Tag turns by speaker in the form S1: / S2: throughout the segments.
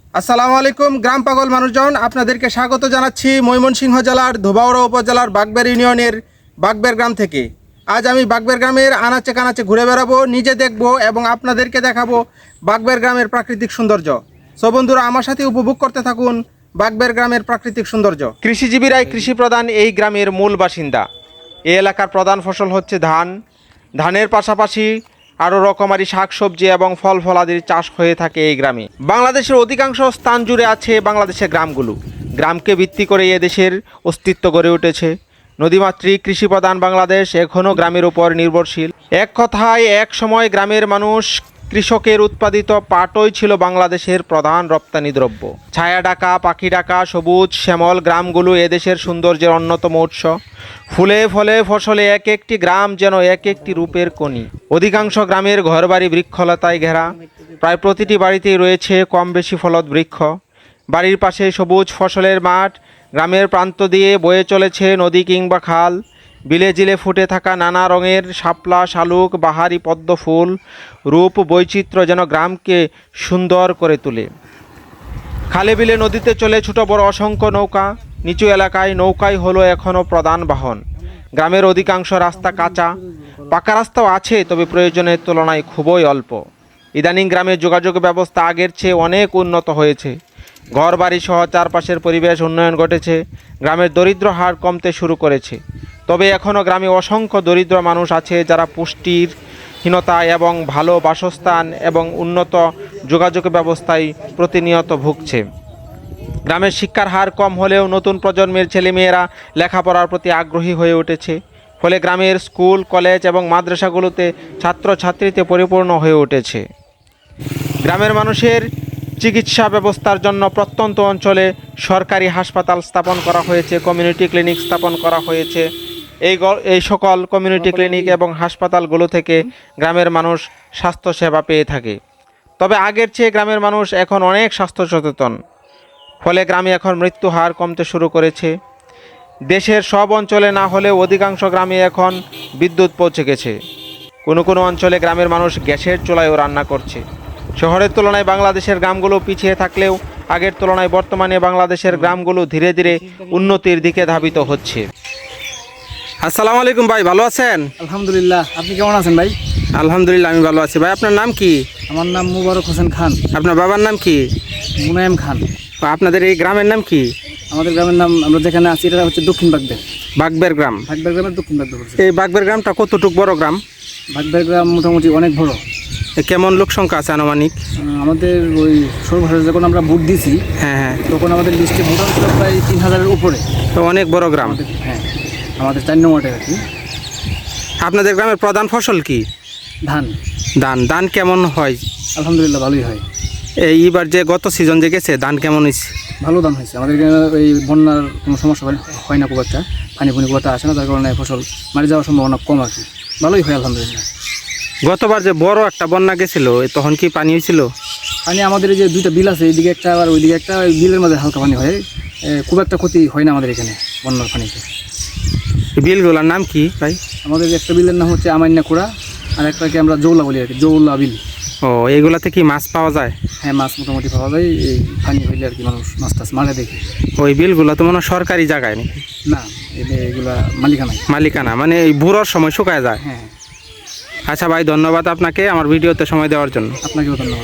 S1: আসসালামু আলাইকুম গ্রাম পাগল মানুষজন, আপনাদেরকে স্বাগত জানাচ্ছি ময়মনসিংহ জেলার ধোবাউড়া উপজেলার বাগবের ইউনিয়নের বাগবের গ্রাম থেকে। আজ আমি বাগবের গ্রামের আনাচে কানাচে ঘুরে বেড়াবো, নিজে দেখব এবং আপনাদেরকে দেখাবো বাগবের গ্রামের প্রাকৃতিক সৌন্দর্য। সো বন্ধুরা, আমার সাথে উপভোগ করতে থাকুন বাগবের গ্রামের প্রাকৃতিক সৌন্দর্য। কৃষিজীবীরাই কৃষি প্রধান এই গ্রামের মূল বাসিন্দা। এই এলাকার প্রধান ফসল হচ্ছে ধান। ধানের পাশাপাশি আরও রকমারি শাকসবজি এবং ফল ফলাদির চাষ হয়ে থাকে এই গ্রামে। বাংলাদেশের অধিকাংশ স্থান জুড়ে আছে বাংলাদেশের গ্রামগুলো। গ্রামকে ভিত্তি করে এদেশের অস্তিত্ব গড়ে উঠেছে। নদীমাতৃক কৃষিপ্রধান বাংলাদেশ এখনও গ্রামের উপর নির্ভরশীল। এক কথায় এক সময় গ্রামের মানুষ কৃষকের উৎপাদিত পাটই ছিল বাংলাদেশের প্রধান রপ্তানি দ্রব্য। ছায়া ডাকা, পাখি ডাকা, সবুজ শ্যামল গ্রামগুলো এদেশের সৌন্দর্যের অন্যতম উৎস। ফুলে ফলে ফসলে এক একটি গ্রাম যেন এক একটি রূপের কণি। অধিকাংশ গ্রামের ঘরবাড়ি বৃক্ষলতায় ঘেরা। প্রায় প্রতিটি বাড়িতেই রয়েছে কম বেশি ফলদ বৃক্ষ। বাড়ির পাশে সবুজ ফসলের মাঠ। গ্রামের প্রান্ত দিয়ে বয়ে চলেছে নদী কিংবা খাল। বিলে জিলে ফুটে থাকা নানা রঙের শাপলা, শালুক, বাহারি পদ্ম ফুল রূপ বৈচিত্র্য যেন গ্রামকে সুন্দর করে তোলে। খালে বিলে নদীতে চলে ছোট বড় অসংখ্য নৌকা। নিচু এলাকায় নৌকাই হলো এখনও প্রধান বাহন। গ্রামের অধিকাংশ রাস্তা কাঁচা। পাকা রাস্তাও আছে, তবে প্রয়োজনের তুলনায় খুবই অল্প। ইদানিং গ্রামের যোগাযোগ ব্যবস্থা আগের চেয়ে অনেক উন্নত হয়েছে। ঘর বাড়ি সহ চারপাশের পরিবেশ উন্নয়ন ঘটেছে। গ্রামের দরিদ্র হার কমতে শুরু করেছে। তবে এখনও গ্রামে অসংখ্য দরিদ্র মানুষ আছে যারা পুষ্টিহীনতা এবং ভালো বাসস্থান এবং উন্নত যোগাযোগ ব্যবস্থায় প্রতিনিয়ত ভুগছে। গ্রামের শিক্ষার হার কম হলেও নতুন প্রজন্মের ছেলেমেয়েরা লেখাপড়ার প্রতি আগ্রহী হয়ে উঠেছে। ফলে গ্রামের স্কুল, কলেজ এবং মাদ্রাসাগুলোতে ছাত্রছাত্রীতে পরিপূর্ণ হয়ে উঠেছে। গ্রামের মানুষের চিকিৎসা ব্যবস্থার জন্য প্রত্যন্ত অঞ্চলে সরকারি হাসপাতাল স্থাপন করা হয়েছে, কমিউনিটি ক্লিনিক স্থাপন করা হয়েছে। এই সকল কমিউনিটি ক্লিনিক এবং হাসপাতালগুলো থেকে গ্রামের মানুষ স্বাস্থ্যসেবা পেয়ে থাকে। তবে আগের চেয়ে গ্রামের মানুষ এখন অনেক স্বাস্থ্য সচেতন। ফলে গ্রামে এখন মৃত্যু হার কমতে শুরু করেছে। দেশের সব অঞ্চলে না হলেও অধিকাংশ গ্রামে এখন বিদ্যুৎ পৌঁছে গেছে। কোনো কোনো অঞ্চলে গ্রামের মানুষ গ্যাসের চুলায়ও রান্না করছে। শহরের তুলনায় বাংলাদেশের গ্রামগুলো পিছিয়ে থাকলেও আগের তুলনায় বর্তমানে বাংলাদেশের গ্রামগুলো ধীরে ধীরে উন্নতির দিকে ধাবিত হচ্ছে। আসসালামু আলাইকুম ভাই, ভালো আছেন?
S2: আলহামদুলিল্লাহ, আপনি কেমন আছেন ভাই?
S1: আলহামদুলিল্লাহ, আমি ভালো আছি। ভাই, আপনার নাম কি?
S2: আমার নাম মুবারক হোসেন খান।
S1: আপনার বাবার নাম কি?
S2: মুনায়েম খান।
S1: আপনাদের এই গ্রামের নাম কি?
S2: আমাদের গ্রামের নাম, আমরা যেখানে আছি এটা হচ্ছে দক্ষিণ বাগবের।
S1: বাগবের গ্রাম।
S2: বাগবের গ্রামের দক্ষিণ বাগবের।
S1: এই বাগবের গ্রামটা কতটুকু বড় গ্রাম?
S2: বাগবের গ্রাম মোটামুটি অনেক বড়।
S1: কেমন লোক সংখ্যা আছে আনুমানিক?
S2: আমাদের ওই সর্বভারত যখন আমরা ভোট দিয়েছি,
S1: হ্যাঁ,
S2: তখন আমাদের লিস্টে ভোটার ছিল প্রায় 3000-এর উপরে।
S1: তো অনেক বড় গ্রাম।
S2: হ্যাঁ, আমাদের 4 নম্বর ওয়ার্ডে আর কি।
S1: আপনাদের গ্রামের প্রধান ফসল কি?
S2: ধান।
S1: ধান কেমন হয়?
S2: আলহামদুলিল্লাহ, ভালোই হয়।
S1: এইবার যে গত সিজন যে গেছে, ধান কেমন হয়েছে?
S2: ভালো ধান হয়েছে। আমাদের এখানে এই বন্যার কোনো সমস্যা হয় না, খুব একটা পানি খুব একটা আসে না, তার কারণে ফসল মারি যাওয়ার সম্ভাবনা কম আর কি। ভালোই হয় আলহামদুলিল্লাহ।
S1: গতবার যে বড় একটা বন্যা গেছিল, তখন কি পানি হয়েছিল?
S2: পানি আমাদের এই যে 2টা বিল আছে, এইদিকে একটা আর ওইদিকে একটা, ওই বিলের মধ্যে হালকা পানি হয়। খুব একটা ক্ষতি হয় না আমাদের এখানে বন্যার পানিতে।
S1: বিলগুলোর নাম কি ভাই?
S2: আমাদের একটা বিলের নাম হচ্ছে আমান্যাকুড়া, আর একটাকে আমরা জৌলা বলি আর কি, জৌলা বিল।
S1: ও, এইগুলাতে কি মাছ পাওয়া যায়?
S2: হ্যাঁ, মাছ মোটামুটি পাওয়া যায়। এই পানি হইলে আর কি মানুষ মাছ টাছ মারে দেখি।
S1: ওই বিলগুলো তো মনে হয় সরকারি জায়গায় নাকি?
S2: না, এগুলা মালিকানা।
S1: মালিকানা মানে এই বুড়োর সময় শুকায় যায়।
S2: হ্যাঁ।
S1: আচ্ছা ভাই, ধন্যবাদ আপনাকে আমার ভিডিওতে সময় দেওয়ার জন্য।
S2: আপনাকেও ধন্যবাদ।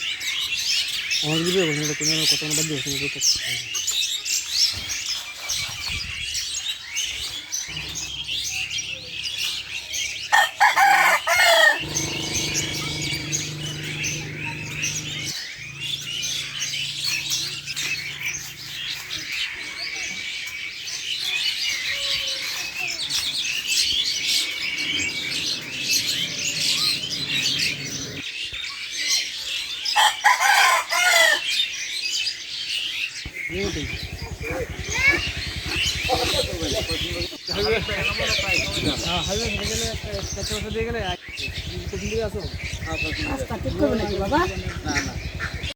S2: আমার ভিডিও কথা বাদ দিয়ে
S3: রাস্তা ঠিক করবে নাকি বাবা?